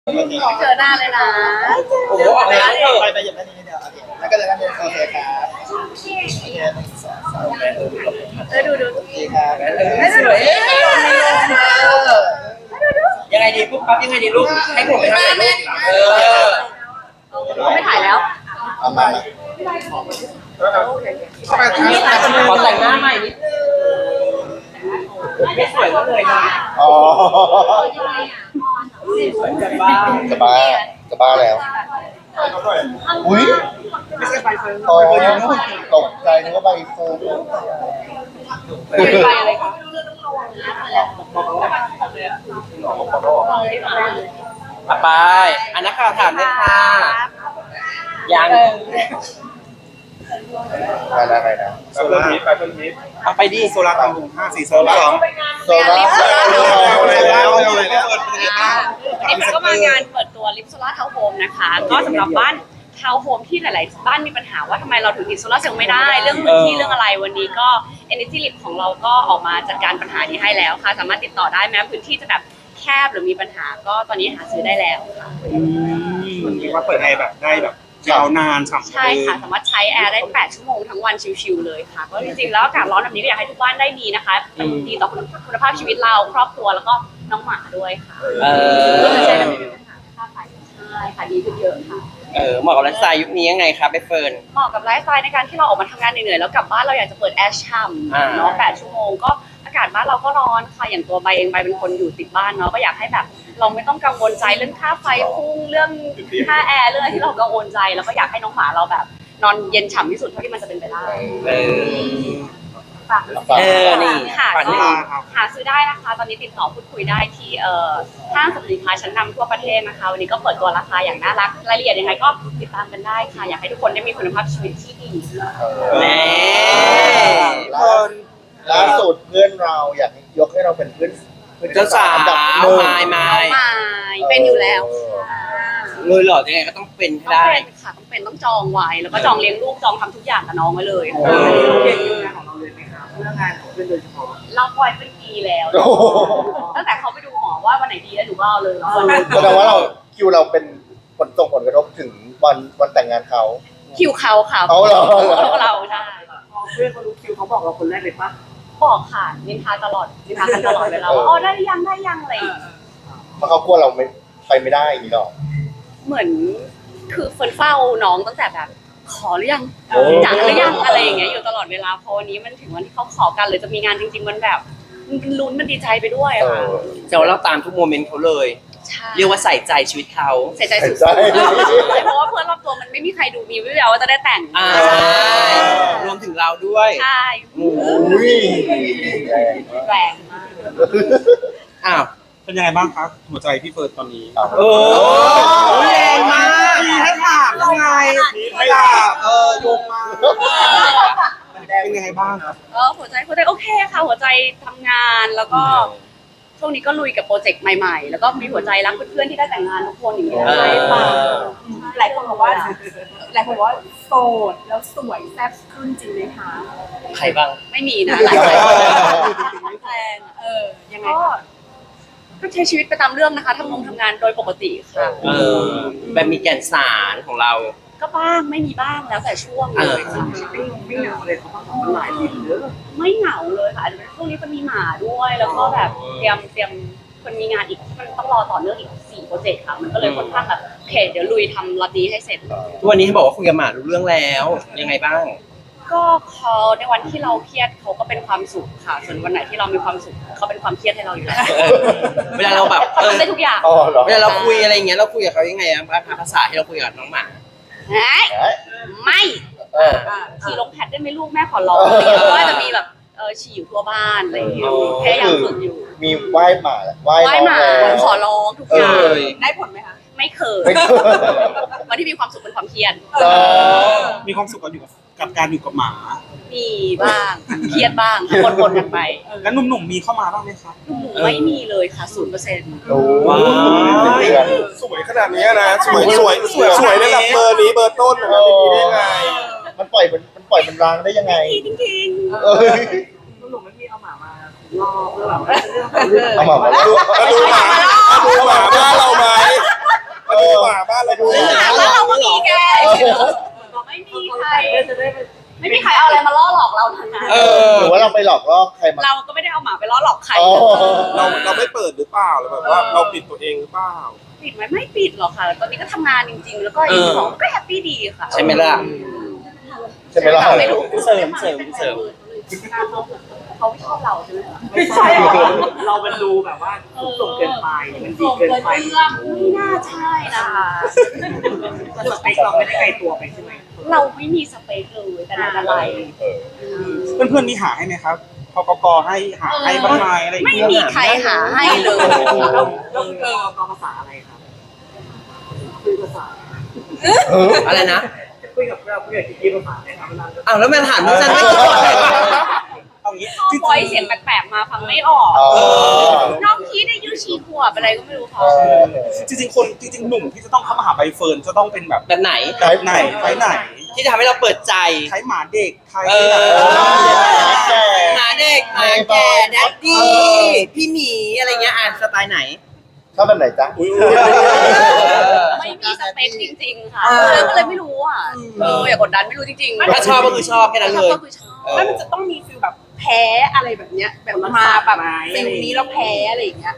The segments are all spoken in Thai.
เจอหน้าเลยนะโอ้โหออกแล้วเถอะไปอย่างนี้เดียวแล้วก็เลยนั่นเองโอเคครับโอเคดูโอเคครับสวยยังไงดีปุ๊บปั๊บยังไงดีลูกให้ผมไปทำอะไรลูกเขาไม่ถ่ายแล้วเอามาขอแต่งหน้าใหม่นิดนึงไม่สวยก็เลยนะอ๋อสวยจะบ้าจะบ้าแล้วอุ้ยไม่ใช่ใบเฟิร์นอ๋อตกใจนึกว่าใบเฟิร์นไปอะไรคะไปอันนักข่าวถามเลยค่ะยังอะไรนะโซล่าไปต้นฮิตเอาไปดิโซล่าตามลุง54โซล่าโซล่านี่ก็มางานเปิดตัวลิปโซล่าทาวน์โฮมนะคะก็สำหรับบ้านทาวน์โฮมที่หลายๆบ้านมีปัญหาว่าทำไมเราถึงติดโซล่าเซลล์ไม่ได้เรื่องพื้นที่เรื่องอะไรวันนี้ก็ Energy Lip ของเราก็ออกมาจัดการปัญหานี้ให้แล้วค่ะสามารถติดต่อได้แม้พื้นที่จะแบบแคบหรือมีปัญหาก็ตอนนี้หาซื้อได้แล้วค่ะเรียกว่าเปิดแอร์แบบได้แบบยาวนานฉ่ำใช่ค่ะสามารถใช้แอร์ได้8ชั่วโมงทั้งวันชิลๆเลยค่ะก็จริงๆแล้วอากาศร้อนแบบนี้ก็อยากให้ทุกบ้านได้ดีนะคะดีต่อคุณภาพชีวิตเราครอบครัวแล้วก็น้องหมาด้วยค่ะใช่ค่ะดีขึ้นเยอะค่ะเหมาะกับไลฟ์สไตล์ยุคนี้ยังไงครับใบเฟิร์นเหมาะกับไลฟ์สไตล์ในการที่เราออกมาทำงานเหนื่อยๆแล้วกลับบ้านเราอยากจะเปิดแอร์ช่ำเนาะ8ชั่วโมงก็อากาศบ้านเราก็ร้อนค่ะอย่างตัวใบเองใบเป็นคนอยู่ติดบ้านเนาะก็อยากให้แบบเราไม่ต้องกังวลใจเรื่องค่าไฟพุ่งเรื่องค่าแอร์เรื่องที่เรากังวลใจแล้วก็อยากให้น้องหมาเราแบบนอนเย็นฉ่ำที่สุดเท่าที่มันจะเป็นไปได้นี่ค่ะก็หาซื้อได้นะคะตอนนี้ติดต่อพูดคุยได้ที่ห้างสรรพสินค้าชั้นนำทั่วประเทศนะคะวันนี้ก็เปิดตัวราคาอย่างน่ารักรายละเอียดยังไงก็ติดตามกันได้ค่ะอยากให้ทุกคนได้มีคุณภาพชีวิตที่ดีล่าสุดเพื่อนเราอยากยกให้เราเป็นเพื่อนเจ้าสาวไม่เป็นอยู่แล้วเลยเหรอยังไงก็ต้องเป็นได้ค่ะต้องจองไว้แล้วก็จองเลี้ยงลูกจองทำทุกอย่างกับน้องไว้เลยเรียนคิวงานของเราเลยไหมครับเรื่องงานของเพื่อนโดยเฉพาะเราปล่อยเป็นปีแล้วตั้งแต่เขาไปดูหมอว่าวันไหนดีแล้วหนูก็เอาเลยแสดงว่าคิวเราเป็นส่งผลกระทบถึงวันแต่งงานเขาคิวเขาค่ะเราใช่เพื่อนเขารู้คิวเขาบอกเราคนแรกเลยปะบอกค่ะนินทาตลอดเวลาว่าได้ยังอะไรเพราะเขากลัวเราไปไม่ได้อย่างนี้หรอเหมือนคือเฟิร์นเฝ้าน้องตั้งแต่แบบขอหรือยังจังหรือยังอะไรอย่างเงี้ยอยู่ตลอดเวลาพอวันนี้มันถึงวันที่เขาขอกันหรือจะมีงานจริงๆมันแบบมันลุ้นมันดีใจไปด้วยอะค่ะแต่ว่าเราตามทุกโมเมนต์เขาเลยเรียกว่าใส่ใจชีวิตเขาใส่ใจสุดๆเพราะว่าเพื่อนรอบตัวมันไม่มีใครดูมีวิวว่าจะได้แต่งรวมถึงเราด้วยใช่แรงมากอ้าวเป็นยังไงบ้างครับหัวใจพี่เฟิร์นตอนนี้แรงมากมีให้ถามยังไงไม่ถามโยงมาเป็นยังไงบ้างครับหัวใจโอเคค่ะหัวใจทำงานแล้วก็ช่วงนี้ก็ลุยกับโปรเจกต์ใหม่ๆแล้วก็มีหัวใจรักเพื่อนๆที่ได้แต่งงานทุกคนอย่างนี้ใช่ป่ะหลายคนบอกว่าโสดแล้วสวยแซ่บขึ้นจริงไหมคะใครบ้างไม่มีนะหลายคนแรงยังไงก็ใช้ชีวิตไปตามเรื่องนะคะทำงานโดยปกติค่ะแบบมีแก่นสารของเราก็บ้างไม่มีบ้างแล้วแต่ช่วงเลยค่ะไม่เหงาเลยเขาต้องหลายปีเยอะไม่เหงาเลยค่ะช่วงนี้มันมีหมาด้วยแล้วก็แบบเตรียมคนมีงานอีกมันต้องรอต่อเนื่องอีก4โปรเจกต์ค่ะมันก็เลยค่อนข้างแบบโอเคเดี๋ยวลุยทำล็อตนี้ให้เสร็จทุกวันนี้ให้บอกว่าคุยกับหมารู้เรื่องแล้วยังไงบ้างก็เขาในวันที่เราเครียดเขาก็เป็นความสุขค่ะส่วนวันไหนที่เรามีความสุขเขาเป็นความเครียดให้เราอยู่แล้วเวลาเราแบบเขาทำได้ทุกอย่างเวลาเราคุยอะไรอย่างเงี้ยเราคุยกับเขายังไงภาษาที่เราคุยกับน้องหมาไม่ขี่ลงแพดได้ไหมลูกแม่ขอร้องก็จะมีแบบฉี่อยู่ทั่วบ้านอะไรอย่างเงี้ยแค่ยังฝึกอยู่มีไหว้หมาขอร้องทุกอย่างได้ผลไหมคะไม่เคยวันที่มีความสุขเป็นความเครียดมีความสุขกับการอยู่กับหมามีบ้างเครียดบ้างปนกันไปแล้วหนุ่มๆมีเข้ามาบ้างไหมครับหนุ่มไม่มีเลยค่ะ0% ว้าวสวยขนาดนี้นะสวยระดับเบอร์นี้เบอร์ต้นนะครับเป็นยังไงมันปล่อยมันรางได้ยังไงจริงหนุ่มไม่มีเอาหมามาล่อเพื่อแบบเอาหมามาดูหมาบ้านเราไหมหลอกล่อใครมาเราก็ไม่ได้เอาหมาไปล่อหลอกใครอ๋อเราไม่เปิดหรือเปล่าหรือแบบว่าเราปิดตัวเองหรือเปล่าปิดไหมไม่ปิดหรอกค่ะ ตอนนี้ก็ทำงานจริง ๆ แล้วก็อีกของก็แฮปปี้ดีค่ะใช่ไหมล่ะใช่ไหมล่ะไม่รู้เสริมเขาไม่ชอบเราใช่ไหมคะไม่ใช่หรอเรามันดูแบบว่าสูงเกินไปมันดีเกินไปไม่น่าใช่นะคะสเปคเราไม่ได้ไกลตัวไปใช่ไหมเราไม่มีสเปคเลยแต่ไหนแต่ไรเพื่อนๆมีหาให้ไหมครับพกกให้หาให้บ้างไหมอะไรอย่างไม่เงี้ยมีใครหาให้เลยแล้วคือกภาษาอะไรครับคุยภาษาอะไรนะคุยกับเราคุยกับกิ๊กภาษาอะไรครับเวลาอ้าวแล้วมันถามดิฉันไม่คิดว่าอะไรเอางี้ชอบปล่อยเสียงแปลกๆมาฟังไม่ออกอ๋อน้องคีดอายุชีขวบอะไรก็ไม่รู้เขาจริงๆหนุ่มที่จะต้องเข้ามาหาใบเฟิร์นจะต้องเป็นแบบแบบไหนไทป์ไหนไทป์ไหนที่จะทำให้เราเปิดใจไทป์หมาเด็กไทป์เอไหนหมาเด็กหมาแก่แดดดี้พี่หมีอะไรเงี้ยอ่านสไตล์ไหนชอบแบบไหนจ๊ะไม่มีสเปคจริงๆค่ะก็เลยไม่รู้อ่ะอย่ากดดันไม่รู้จริงๆถ้าชอบก็คือชอบแค่นั้นเลยก็คือชอบแล้วมันจะต้องมีฟิลแบบแพ้อะไรแบบเนี้ยแบบมาแบบฟิลนี้แล้วแพ้อะไรอย่างเงี้ย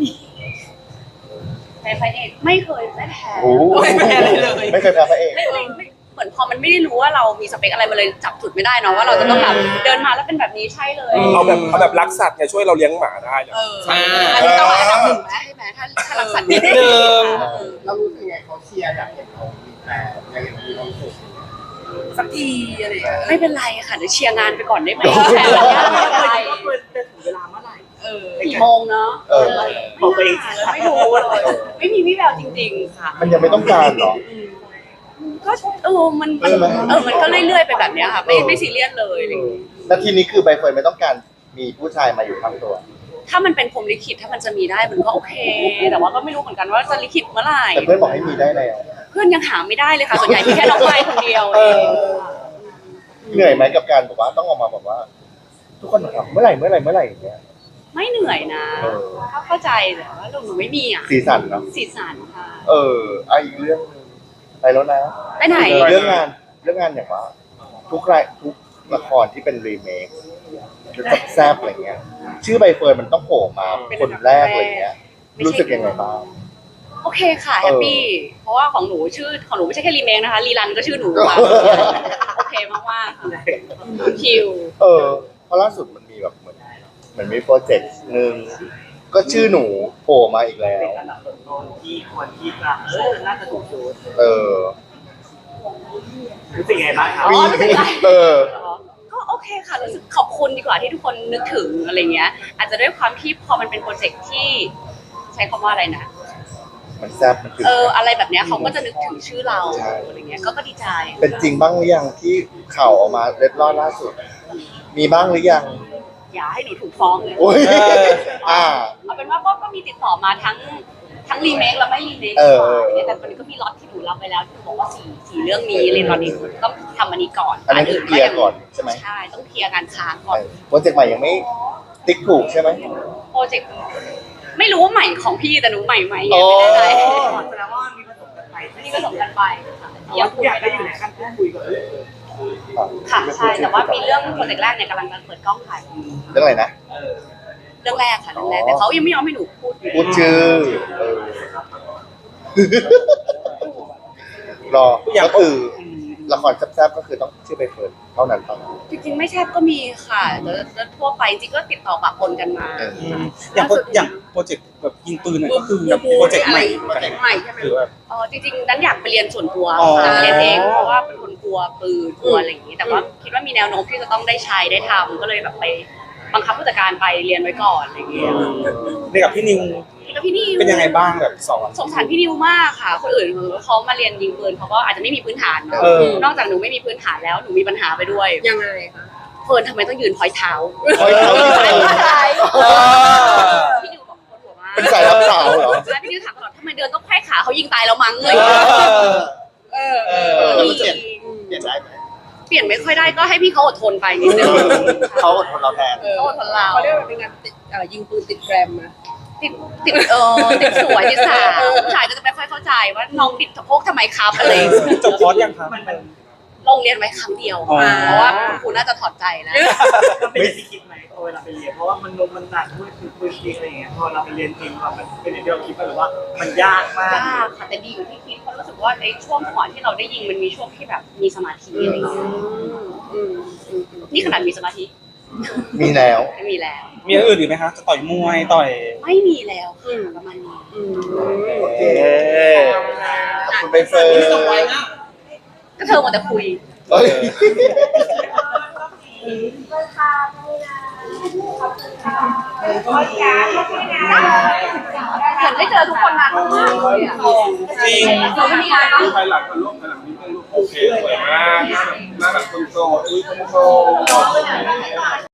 แพ้พระเอกไม่เคยไม่แพ้โอ้โหไม่เคยแพ้พระเอกไม่เหมือนพอมันไม่ได้รู้ว่าเรามีสเปคอะไรมาเลยจับจุดไม่ได้เนาะว่าเราจะต้องแบบเดินมาแล้วเป็นแบบนี้ใช่เลยเอาแบบรักสัตว์ไงช่วยเราเลี้ยงหมาได้เลยอันนี้ต้องอันดับหนึ่งไหมใช่ไหมถ้ารักสัตว์นิดนึงเรารู้สึกไงเขาเชียร์อยากเห็นเขามีแฟนอยากเห็นมีความสุขสักทีอะไรอย่างเงี้ยไม่เป็นไรค่ะเดี๋ยวเชียร์งานไปก่อนได้ไหมโอ้โหแฟนเราไม่เป็นไรก็ควรจะถึงเวลาเมื่อไหร่กี่โมงเนาะบอกตัวเองไม่รู้เลยไม่มีวี่แววจริงๆค่ะมันยังไม่ต้องการหรอก็มันก็เรื่อยๆไปแบบเนี้ยค่ะไม่ซีเรียสเลยอะไรอย่างเงี้ยนาทีนี้คือใบเฟิร์นไม่ต้องการมีผู้ชายมาอยู่ข้างตัวถ้ามันเป็นพรหมลิขิตถ้ามันจะมีได้มันก็โอเค แต่ว่าก็ไม่รู้เหมือนกันว่าจะลิขิตเมื่อไหร่แต่เพื่อนบอกให้มีได้แล้วเพื่อนยังหาไม่ได้เลยค่ะส่วนใหญ่มีแค่น้องไม้คนเดียวเองเหนื่อยไหมกับการบอกว่าต้องออกมาบอกว่า ทุกคนถามเมื่อไหร่อย่างเงี้ยไม่เหนื่อยนะเข้าใจแต่ว่าหนูไม่มีอ่ะสีสันเนาะสีสันค่ะอีกเรื่องนึงไปแล้วนะไปไหนเรื่องงานอย่างว่า ทุกละครที่เป็นรีเมคแซ่บๆอะไรเงี้ย ชื่อใบเฟิร์นมันต้องโผล่มาคนแรกอะไรเงี้ย รู้สึกยังไงบ้างโอเคค่ะแฮปปี้เพราะว่าของหนูไม่ใช่แค่รีเมคนะคะรีรันก็ชื่อหนูค่ะโอเคมากๆค่ะคิวเพราะล่าสุดมันมีแบบเหมือนมีโปรเจกต์หนึ่งก็ชื่อหนูโผล่มาอีกแล้วเป็นอันดับต้นๆที่ควรที่จะน่าจะถูกชูดรู้สึกไงบ้างครับอ๋อไม่เป็นไรก็โอเคค่ะรู้สึกขอบคุณดีกว่าที่ทุกคนนึกถึงอะไรเงี้ย อาจจะด้วยความที่พอมันเป็นโปรเจกต์ที่ใช้คำว่าอะไรนะมันแซ่บมันถึงอะไรแบบเนี้ยเขาก็จะนึกถึงชื่อเราอะไรเงี้ยก็ดีใจเป็นจริงบ้างหรือยังที่ข่าวออกมาเล็ดลอดล่าสุด มีบ้างหรือยังอย่าให้หนูถูกฟ้องเลยโอ้ยเอาเป็นว่าก็มีติดต่อมาทั้งรีเมคและไม่รีเมคแต่ตอนนี้ก็มีล็อตที่หนูรับไปแล้วที่หนูบอกว่าสี่เรื่องนี้เลยตอนนี้ต้องทำอันนี้ก่อนอันนั้นคือเคลียร์ก่อนใช่ไหมใช่ต้องเคลียร์การค้างก่อนโปรเจกต์ใหม่ยังไม่ติ๊กถูกใช่ไหมโปรเจกต์ไม่รู้ว่าใหม่ของพี่แต่หนูใหม่ไหมยังไม่แน่ใจแสดงว่ามีผสมกันไปนี่ก็สมกันไปค่ะทุกอย่างก็อยู่ในขั้นพูดคุยกับค่ะใช่แต่ว่ามีเรื่องโปรเจกต์แรกเนี่ยกำลังจะเปิดกล้องถ่ายเรื่องอะไรนะเรื่องแรกค่ะเรื่องแรกแต่เขายังไม่ยอมให้หนูพูดอยู่พูดชื่อรอก็คือละครแซ่บๆก็คือต้องชื่อใบเฟิร์นเท่านั้นเท่านั้นจริงๆไม่แทบก็มีค่ะแล้วทั่วไปจริงก็ติดต่อปะปนกันมาอย่างโปรเจกต์แบบยิงปืนเนี่ยก็คือแบบโปรเจกต์ใหม่โปรเจกต์ใหม่ใช่ไหมคือแบบจริงๆนั้นอยากไปเรียนส่วนตัวอ๋อค่ะเรียนเองเพราะว่าเป็นคนกลัวปืนกลัวอะไรอย่างนี้แต่ว่าคิดว่ามีแนวโน้มที่จะต้องได้ใช้ได้ทำก็เลยแบบไปบังคับผู้จัดการไปเรียนไว้ก่อนอะไรอย่างเงี้ยในกับพี่นิวแล้วพี่นิวเป็นยังไงบ้างแบบสอนสงสารพี่นิวมากค่ะ คนอื่นเขามาเรียนยิงปืนเขาก็อาจจะไม่มีพื้นฐานเนอะ นอกจากหนูไม่มีพื้นฐานแล้วหนูมีปัญหาไปด้วยยังไงคะเฟิร์นทำไมต้องยืนพอยเท้าพอยเท้าพี่นิวบอกคนหัวมากเป็นสายรับสาวเหรอใช่พี่นิวถามตลอดทำไมเดินต้องไขว้ขาเขายิงตายแล้วมั้งเลยแล้วเปลี่ยนได้ไหมเปลี่ยนไม่ค่อยได้ก็ให้พี่เขาอดทนไปนิดนึงเขาอดทนเราแทนเขาอดทนเราเขาเรียกว่าเป็นงานยิงปืนติดแกรมมาติดติดสวยติดสาวผู้ชายก็จะไม่ค่อยเข้าใจว่าน้องติดสะโพกทำไมครับอะไรอย่างเงี้ยจบคอร์สยังครับลงเรียนไว้ครั้งเดียวอ๋อเพราะว่าคุณครูน่าจะถอดใจแล้วมันเป็นอย่างที่คิดไหมเวลาไปเรียนเพราะว่ามันหนักด้วยคือพื้นที่อะไรอย่างเงี้ยพอเราไปเรียนจริงมันเป็นอย่างที่เราคิดไหมหรือว่ามันยากมากยากค่ะแต่ดีอยู่ที่คิดเพราะรู้สึกว่าในช่วงก่อนที่เราได้ยิงมันมีช่วงที่แบบมีสมาธิอะไรอย่างเงี้ยนี่ขนาดมีสมาธิมีแล้วไม่มีแล้วมีอย่างอื่นอีกไหมคะจะต่อยมวยต่อยไม่มีแล้วค่ะประมาณนี้โอเคขอบคุณใบเฟิร์นก็เธอหมดแต่คุยเอ้ยเหมือนได้เจอทุกคนนานมากเลยอ่ะจริงเราไม่มีงานเนาะภายหลังมันลบภายหลังนี้โอเคสวยมากหน้าแบบคนโสดอุ้ยคนโสด